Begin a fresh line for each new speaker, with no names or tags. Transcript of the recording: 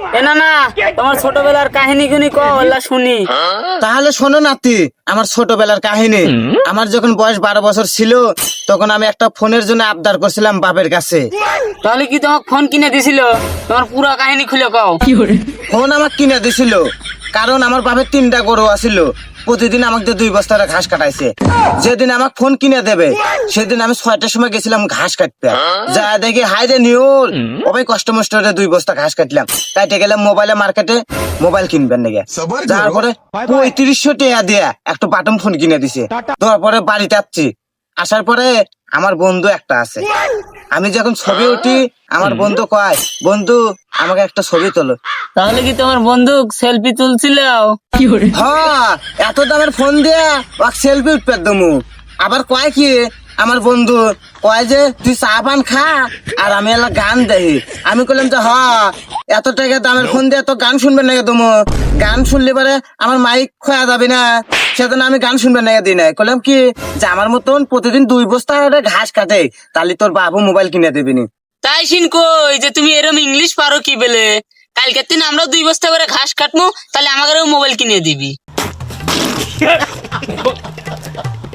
এ না না, তোমার ছোটবেলার কাহিনী গুনি কল্লা শুনি।
তাহলে শোনো নাতি, আমার ছোটবেলার কাহিনী। আমার যখন বয়স 12 বছর ছিল, তখন আমি একটা ফোনের জন্য আবদার করছিলাম বাপের কাছে।
তাহলে কি তোমাকে ফোন কিনে দিছিল? তোমার পুরো কাহিনী খুলে কও।
ফোন আমাকে কিনে দিছিল, কারণ আমার বাপের 3টা গরু আছিল। প্রতিদিন আমাকে 2 বস্তা ঘাস কাটাইছে। যেদিন আমাকে ফোন কিনে দেবে, সেদিন আমি 6টার সময় গেছিলাম ঘাস কাটতে। যা দেখি হাই রে নিউর, ওই কষ্ট মষ্ট 2 বস্তা ঘাস কাটলাম। কাটে গেলাম মোবাইলে মার্কেটে, মোবাইল কিনবেন নাকি। তারপরে 3500 টাকা দিয়ে একটা বাটন ফোন কিনে দিছে। তারপরে বাড়িতে আসছি, আসার পরে আমার বন্ধু একটা আছে। আমি যখন ছবি উঠি, আমার বন্ধু কয়, বন্ধু আমাকে একটা ছবি তোলো।
তাহলে কি তোমার বন্ধু সেলফি তুলছিল?
হ্যাঁ, এত দামের ফোন দিয়ে সেলফি উঠবে দমু। আবার কয় কি আমার বন্ধু, কয় যে তুই চা পান খা আর আমি এলা গান দেখি। আমি কইলাম যে এত টাকা দামের ফোন দিয়ে তো গান শুনবেন নাকি তুমি? গান শুনলে পরে আমার মাইক খোয়া যাবে না, সেজন্য আমি গান শুনবেন নাকি দিই নাই। কইলাম কি যে আমার মতন প্রতিদিন 2 বস্তা করে ঘাস কাটে, তাহলে তোর বাবু মোবাইল কিনে দিবিনি।
তাই শিন কই যে তুমি এরম ইংলিশ পারো কি বলে? কালকের দিন আমরা 2 বস্তা করে ঘাস কাটবো, তাহলে আমাকেও মোবাইল কিনে দিবি।